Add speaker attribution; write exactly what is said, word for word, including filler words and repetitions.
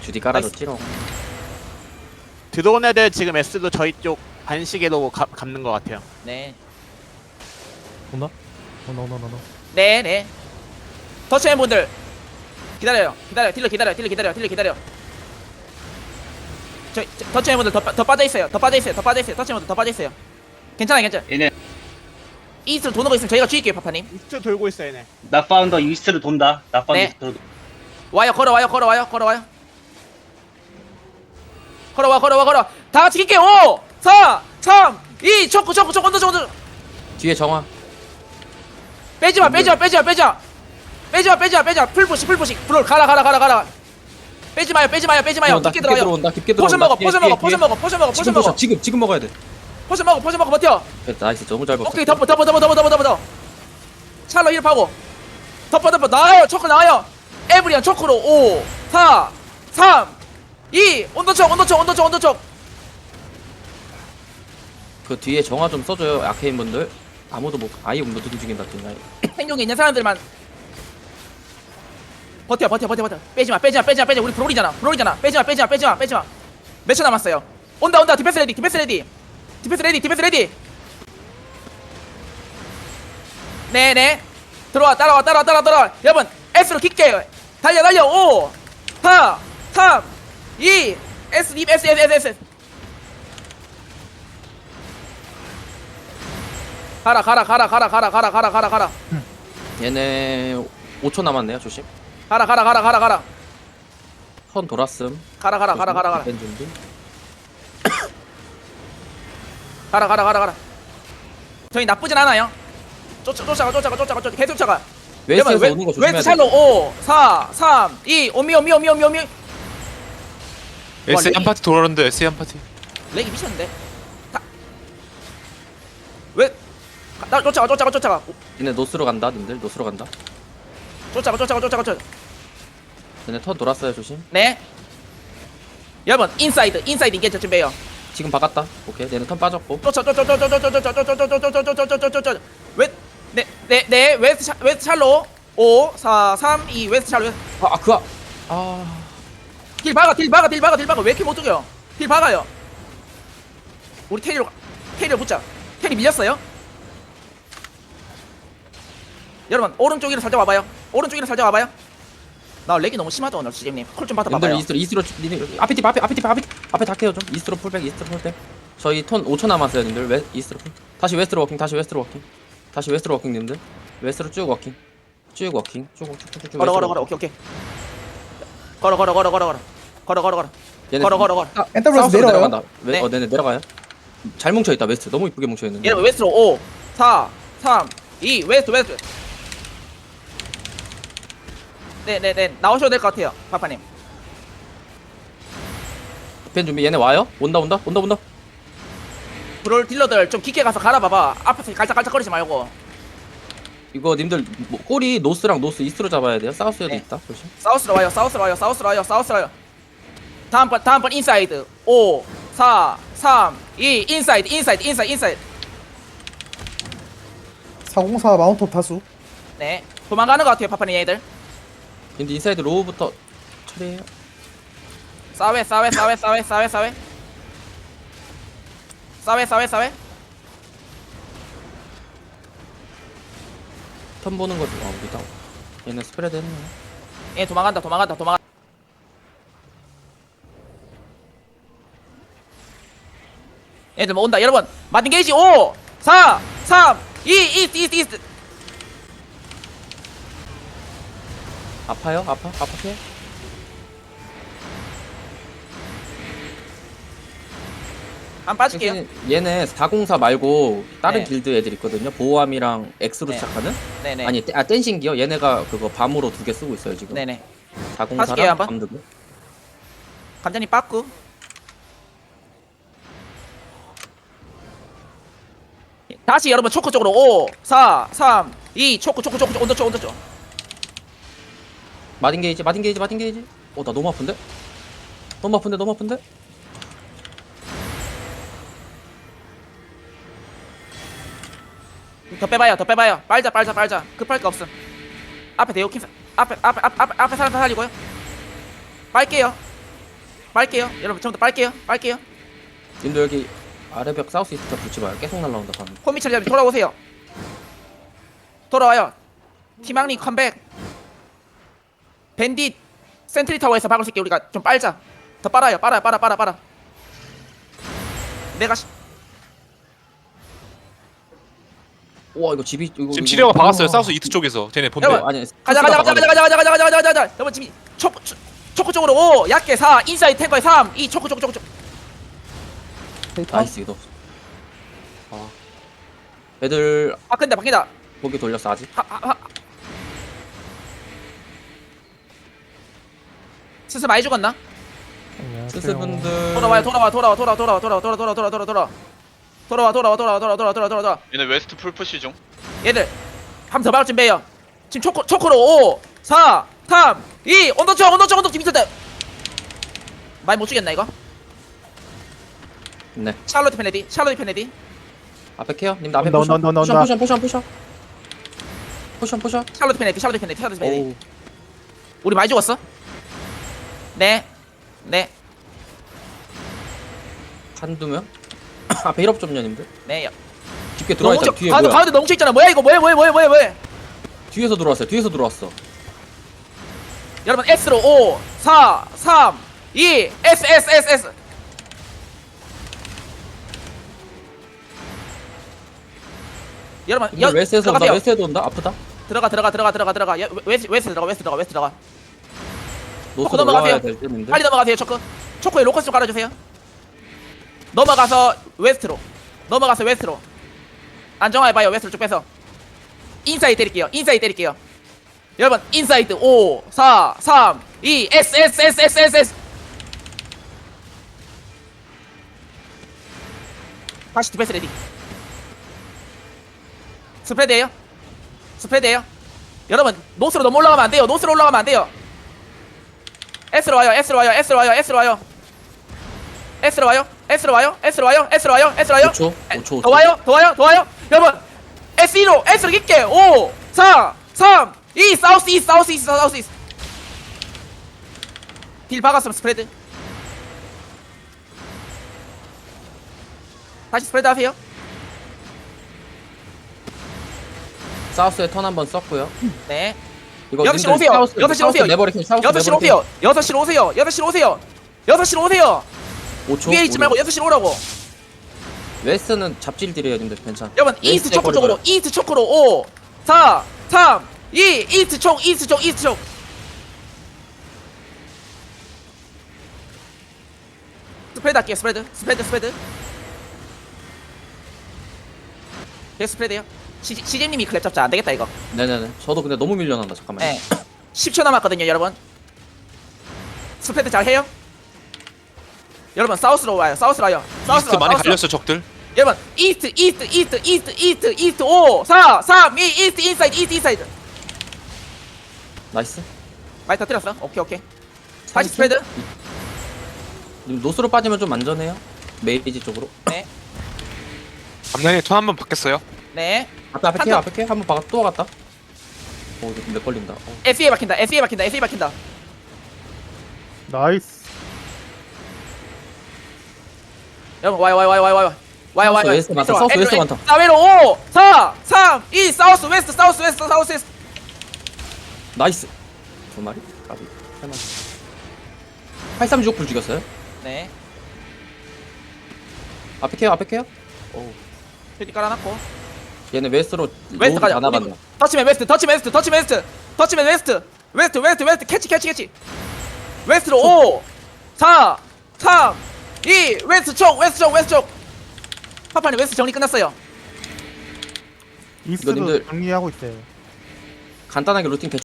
Speaker 1: 주디 깔아줬지롱.
Speaker 2: 들어온 애들 지금 S도 저희 쪽 반시계로 가, 감는 것 같아요.
Speaker 3: 네.
Speaker 4: 온다? 온다 온다 온다.
Speaker 3: 네, 네. 터치맨 분들 기다려요. 기다려. 딜러 기다려. 딜러 기다려. 딜러 기다려. 저, 저 터치맨 분들 더, 빠- 더 빠져 있어요. 더 빠져 있어요. 더 빠져 있어요. 터치맨 분들 더 빠져 있어요. 괜찮아, 괜찮아.
Speaker 5: 얘네
Speaker 3: 이스트로 도는 거 있으면 저희가 죽일게요, 파파님.
Speaker 2: 이스트 돌고 있어 얘네.
Speaker 5: 나 파운더 이스트로 돈다. 나 파운더
Speaker 3: 네.
Speaker 5: 이스트로.
Speaker 3: 와요, 걸어와요, 걸어와요, 걸어와요. 걸어와, 걸어와, 걸어. 다 같이 킬게요. 오, 사, 삼, 이, 초크, 초크, 초크, 언더, 언더.
Speaker 1: 뒤에 정화.
Speaker 3: 빼지마, 빼지마, 빼지마, 빼지마. 빼지마, 빼지마, 빼지마. 풀푸시, 풀푸시. 풀 가라, 가라, 가라, 가라. 빼지 마요, 빼지 마요, 빼지 마요.
Speaker 1: 들어온다.
Speaker 3: 깊게
Speaker 1: 깊게
Speaker 3: 들어가요.
Speaker 1: 들어온다. 깊게 들어온다.
Speaker 3: 포션 먹어,
Speaker 1: 뒤에,
Speaker 3: 포션
Speaker 1: 뒤에,
Speaker 3: 먹어, 포션
Speaker 1: 뒤에.
Speaker 3: 먹어, 포션 먹어, 포션
Speaker 1: 지금
Speaker 3: 먹어.
Speaker 1: 포션, 지금 지금 먹어야 돼.
Speaker 3: 포션 먹어, 포션 먹어, 버텨.
Speaker 1: 됐다. 나이스. 너무 잘 먹었어.
Speaker 3: 오케이, 덮어, 덮어, 덮어, 덮어, 덮어, 덮어, 덮어. 찰로 힐파고. 덮어, 덮어. 나와요, 초크 나와요. 에브리안 초크로 오, 사, 삼, 이. 온도촉, 온도촉, 온도촉, 온도촉.
Speaker 1: 그 뒤에 정화 좀 써줘요. 아케인 분들. 아무도 못 아예 못 움직인다. 뒤에.
Speaker 3: 행동에 있는 사람들만 버텨, 버텨, 버텨, 버텨. 빼지마, 빼지마, 빼지마, 빼지마. 우리 브롤이잖아, 브롤이잖아. 빼지마, 빼지마, 빼지마, 빼지마. 몇 초 남았어요? 온다, 온다. 디펜스 레디, 디펜스 레디. 디펜스 레디, 디펜스 레디. 네네. 들어와, 따라와, 따라와, 따라와, 따라와. 여러분, S로 킬게요. 달려, 달려. 오, 사, 삼, 이, S, 립, S, S, S, S. 가라, 가라, 가라, 가라, 가라, 가라, 가라, 가라, 가라.
Speaker 1: 얘네 오 초 남았네요. 조심.
Speaker 3: 가라, 가라, 가라, 가라, 가라.
Speaker 1: 선 돌았음.
Speaker 3: 가라, 가라, 가라, 가라, 가라.
Speaker 1: 뺀 준비.
Speaker 3: 가라, 가라, 가라, 가라. 저희 나쁘진 않아요. 쫓아, 쫓아가, 쫓아가, 쫓아가, 쫓아가. 계속 쫓아가.
Speaker 1: 웨스트에서
Speaker 3: 웨-
Speaker 1: 오는 거 조심해야
Speaker 3: 웨스트
Speaker 1: 돼.
Speaker 3: 샬로 오, 사, 삼, 이. 오미, 오미, 오미, 오미, 오미.
Speaker 6: 에스 한
Speaker 3: 렉이-
Speaker 6: 파티 돌아오는데 에스 한 파티.
Speaker 3: 렉이 미쳤는데. 다. 왜? 가- 나 쫓아가, 쫓아가, 쫓아가. 오,
Speaker 1: 얘네 노스로 간다. 님들 노스로 간다.
Speaker 3: 쫓아가, 쫓아가, 쫓아가, 쫓아가.
Speaker 1: 얘네 턴 돌았어요. 조심.
Speaker 3: 네. 여러분, 인사이드, 인사이드 인게이지 준비해요.
Speaker 1: 지금 박았다. 오케이. 얘네 턴 빠졌고.
Speaker 3: 쫓아, 쫓아, 쫓아, 쫓아, 쫓아, 쫓아, 쫓아, 쫓아, 쫓아, 쫓아, 쫓아, 쫓아, 쫓아. 웨, 네, 네, 네. 웨스트, 샬- 웨스트 샬로 오, 사, 삼, 이. 웨스트 샬로.
Speaker 1: 아, 아 그아. 아.
Speaker 3: 딜 박아, 딜 박아, 딜 박아, 딜 박아. 왜 이렇게 못 죽여요? 딜 박아요. 우리 테리로 가- 테리로 붙자. 테리 밀렸어요? 여러분 오른쪽으로 살짝 와봐요. 오른쪽으로 살짝 와봐요. 나 렉이 너무 심하다 오늘 지잼님. 콜 좀
Speaker 1: 님들
Speaker 3: 받아봐봐요.
Speaker 1: 이스트로 이스트로 니네 앞에 팀 앞에 앞에 팀 앞에 팀 앞에 다 깨요 좀. 이스트로 풀백 이스트로 풀백. 저희 턴 오 초 남았어요 님들. 웨 이스트로 풀. 다시 웨스트로 워킹 다시 웨스트로 워킹. 다시 웨스트로 워킹 님들. 웨스트로 쭉 워킹. 쭉 워킹. 쭉쭉쭉쭉.
Speaker 3: 걸어 걸어 걸어. 오케이 오케이. 걸어 걸어 걸어 걸어 걸어. 걸어 걸어 걸어. 걸어 걸어 걸어.
Speaker 4: 엔터브레스 내려요.
Speaker 1: 내려간다. 웨,
Speaker 3: 네.
Speaker 1: 어 네네 내려가요. 잘 뭉쳐 있다 웨스트. 너무 이쁘게 뭉쳐 있는데.
Speaker 3: 여러분 웨스트로 오, 사, 삼, 이. 웨스트 웨스트. 네네네 나오셔도 될 것 같아요 파파님.
Speaker 1: 펜 준비. 얘네 와요? 온다 온다 온다 온다.
Speaker 3: 브롤 딜러들 좀 깊게 가서 갈아봐봐. 앞에서 깔짝깔짝거리지 말고.
Speaker 1: 이거 님들 뭐, 꼬리 노스랑 노스 이스트로 잡아야 돼요. 사우스에도
Speaker 3: 네.
Speaker 1: 있다. 조심.
Speaker 3: 사우스로 와요 사우스로 와요 사우스로 와요 사우스로 와요. 다음번 다음번 인사이드 오, 사, 삼, 이. 인사이드 인사이드 인사이드 인사이드.
Speaker 4: 사공사 마운트 다수.
Speaker 3: 네 도망가는 것 같아요 파파님 얘들.
Speaker 1: 근데 인사이드 로우부터 처리해요.
Speaker 3: 싸웨 싸웨 싸웨 싸웨 싸웨 싸웨 싸웨 싸웨 싸웨.
Speaker 1: 턴 보는 거죠. 아 우리다. 얘네 스프레드 했네.
Speaker 3: 얘 도망간다 도망간다 도망간다. 얘들 뭐 온다 여러분. 마틴 게이지 오, 사, 삼, 이. 이스트 이스트 이스트.
Speaker 1: 아파요? 아파? 아파요?
Speaker 3: 안 빠질게요.
Speaker 1: 대신 얘네 사공사 말고 다른
Speaker 3: 네.
Speaker 1: 길드 애들 있거든요. 보호함이랑 X로
Speaker 3: 네.
Speaker 1: 시작하는?
Speaker 3: 네네.
Speaker 1: 아니 떼- 아 댄싱기요? 얘네가 그거 밤으로 두 개 쓰고 있어요 지금.
Speaker 3: 네네. 하실게요,
Speaker 1: 사공사랑
Speaker 3: 한번.
Speaker 1: 밤두개.
Speaker 3: 감자님 빠꾸. 다시 여러분 초코 쪽으로 오, 사, 삼, 이. 초코 초코 초코 온도 쪽 온도 쪽.
Speaker 1: 마딘 게이지 마딘 게이지 마딘 게이지. 어 나 너무 아픈데? 너무 아픈데 너무 아픈데?
Speaker 3: 더 빼봐요 더 빼봐요. 빨자 빨자 빨자. 급할 거 없음. 앞에 대오킴 앞에 앞에 앞에 앞에 앞에 사람 다 살리고요. 빨게요. 빨게요. 여러분 전부 다 빨게요. 빨게요.
Speaker 1: 님들 여기 아래벽 사우스 이스트 붙지 마요. 계속 날라온다 방금.
Speaker 3: 호미철 잡이 돌아오세요. 돌아와요. 티망님 컴백. 밴딧 센트리 타워에서 박을 수 있게 우리가 좀 빨자. 더 빨아요. 빨아 빨아 빨아 빨아. 내가 시...
Speaker 1: 와 이거 집이 이거
Speaker 6: 지금
Speaker 1: 이거-
Speaker 6: 치료가 박았어요.
Speaker 1: 와.
Speaker 6: 사우스 이트 쪽에서. 쟤네 본대.
Speaker 3: 여러분,
Speaker 1: 아니
Speaker 3: 가자 가자 가자 가자 가자 가자 가자 가자 가자 가자. 여러분 지금 초코 초- 초코 쪽으로 오 약게 사 인사이드 탱커에 삼 이 초코 초코 초코 초코.
Speaker 4: 데이터.
Speaker 1: 나이스 이거. 아 애들
Speaker 3: 바뀐다 바뀐다.
Speaker 1: 보기 돌렸어 아직.
Speaker 3: 하, 하, 하. 스스 많이 죽었나?
Speaker 1: 스스분들
Speaker 3: 돌아와요 돌아와 돌아와 돌아와 돌아와 돌아와 돌아와 돌아와 돌아와 돌아와 돌아와 돌아와 돌아와 돌아와 돌아와 돌아와 돌아와 돌아와
Speaker 7: 얘네 웨스트 풀푸시 중.
Speaker 3: 얘들 한 번 더 박을 준비해요. 지금 초코 초코로 오 사 삼 이 온도초 온도초 온도초 미쳤다. 많이 못 죽였나 이거?
Speaker 1: 네
Speaker 3: 샬롯 페네디 샬롯 페네디
Speaker 1: 앞에 케어 님들 앞에
Speaker 4: 온다,
Speaker 1: 포션
Speaker 4: 온다, 온다,
Speaker 1: 포션
Speaker 4: 온다.
Speaker 1: 포션 포션 포션 포션 포션.
Speaker 3: 샬롯 페네디 샬롯 페네디 샬롯 페네디.
Speaker 1: 오우
Speaker 3: 우리 많이 죽었어? 네 네,
Speaker 1: 한두 명. 앞에 힐업 좀 년님들.
Speaker 3: 네.
Speaker 1: 깊게 들어와 있잖아.
Speaker 3: 넘쳐-
Speaker 1: 뒤에
Speaker 3: 가운데
Speaker 1: 뭐야?
Speaker 3: 가운데 넘쳐 있잖아. 뭐야 이거 뭐야 뭐야 뭐야 뭐야 뭐야.
Speaker 1: 뒤에서 들어왔어요. 뒤에서 들어왔어.
Speaker 3: 여러분 S로 오 사 삼 이 S S S S. 여러분 여
Speaker 1: 님들 웨스트에서 온다.
Speaker 3: 들어가세요.
Speaker 1: 웨스트에도 온다. 아프다.
Speaker 3: 들어가 들어가 들어가 들어가 들어가 여- 웨스 웨스 들어가 웨스 들어가 웨스 들어가.
Speaker 1: 노스
Speaker 3: 넘어가세요.
Speaker 1: 올라와야 될 때인데.
Speaker 3: 빨리 넘어가세요. 초코 초코에 로커스 좀 깔아주세요. 넘어가서 웨스트로 넘어가서 웨스트로 안정화해봐요. 웨스트로 쭉 빼서 인사이드 때릴게요. 인사이드 때릴게요. 여러분 인사이드 오 사 삼 이 S S S S S S. 다시 디펜스 레디. 스프레드예요. 스프레드예요. 여러분 노스로 너무 올라가면 안 돼요. 노스로 올라가면 안 돼요. S로 와요. S로 와요. S로 와요. S로 와요. S로 와요. S로 와요. S로 와요. S로 와요. S로 와요.
Speaker 1: 오 초. 오 초.
Speaker 3: 더 와요. 더 와요. 더 와요. 여러분 S로 S로 깊게 오 사 삼 이 사우스 이스트 사우스 이스트 사우스 이스트. 딜 박았으면 스프레드. 다시 스프레드 하세요.
Speaker 1: 사우스에 턴 한번 썼고요.
Speaker 3: 네.
Speaker 1: 이거
Speaker 3: 여섯 시로
Speaker 1: 님들
Speaker 3: 오세요.
Speaker 1: 사우스-
Speaker 3: 여섯 시로
Speaker 1: 사우스
Speaker 3: 오세요.
Speaker 1: 내버리킹 사우스
Speaker 3: 여섯 시로
Speaker 1: 내버리킹.
Speaker 3: 오세요. 여섯 시로 오세요. 여섯 시로 오세요. 여섯 시로 오세요.
Speaker 1: 오 초.
Speaker 3: 위에 있지 말고 여섯 시로 오라고.
Speaker 1: 웨스트는 잡질 딜이에요 님들 괜찮.
Speaker 3: 여러분 이스트
Speaker 1: 웨스트에
Speaker 3: 초코 쪽으로
Speaker 1: 거리
Speaker 3: 이스트 초코로 오 사 삼 이 이스트 총 이스트 총 이스트 총. 스프레드 할게요. 스프레드 스프레드 스프레드. 네 스프레드요. 시제님이 클랩 잡자. 안 되겠다 이거.
Speaker 1: 네네네. 저도 근데 너무 밀려난다. 잠깐만요.
Speaker 3: 네. 십 초 남았거든요 여러분. 스프레드 잘 해요. 여러분 사우스로 와요. 사우스로 와요. 사우스로
Speaker 6: 이스트
Speaker 3: 와요.
Speaker 6: 많이
Speaker 3: 사우스로.
Speaker 6: 갈렸어 적들.
Speaker 3: 여러분 이스트 이스트 이스트 이스트 이스트 이스트 오 사 삼 이 이스트 인사이드 이스트 인사이드.
Speaker 1: 나이스.
Speaker 3: 많이 터뜨렸어. 오케이 오케이. 다시 스프레드.
Speaker 1: 님 노스로 빠지면 좀 안전해요. 메이지 쪽으로.
Speaker 3: 네.
Speaker 6: 앞라인에 턴 한번 바뀌었어요.
Speaker 3: 네.
Speaker 1: 앞에 앞에
Speaker 3: 한
Speaker 1: 케어
Speaker 3: 턴.
Speaker 1: 앞에 케어 한번 박아 또 갔다. 오 이거 몇 걸린다. 어.
Speaker 3: 에스에 박힌다. 에스에 박힌다. 에스에 박힌다.
Speaker 4: 나이스.
Speaker 3: 여러분 와요 와요 와요 와요 와요 와요 와요.
Speaker 1: 사우스 웨스트 많다, 사우스 웨스트 많다.
Speaker 3: 사회로 오 사 삼 이 사우스 웨스트 사우스 웨스트 사우스 웨스트.
Speaker 1: 나이스. 두 마리? 까비. 세 마리. 팔삼육오 불 죽였어요.
Speaker 3: 네.
Speaker 1: 앞에 케어 앞에 케어. 오.
Speaker 3: 여기 깔아놨고.
Speaker 1: 얘네 웨스트로
Speaker 3: 웨스트
Speaker 1: 로드
Speaker 3: 가자.
Speaker 1: 다 나간다.
Speaker 3: 터치맨 웨스트 터치맨 웨스트 터치맨 웨스트 터치맨 웨스트 웨스트 웨스트 웨스트 캐치 캐치 캐치. 웨스트로 오 사 삼 이 웨스트 쪽 웨스트 쪽 웨스트 쪽. 파파님 웨스트 정리 끝났어요.
Speaker 4: 이스트도
Speaker 1: 님들-
Speaker 4: 정리하고 있어요.
Speaker 1: 간단하게 루팅 대충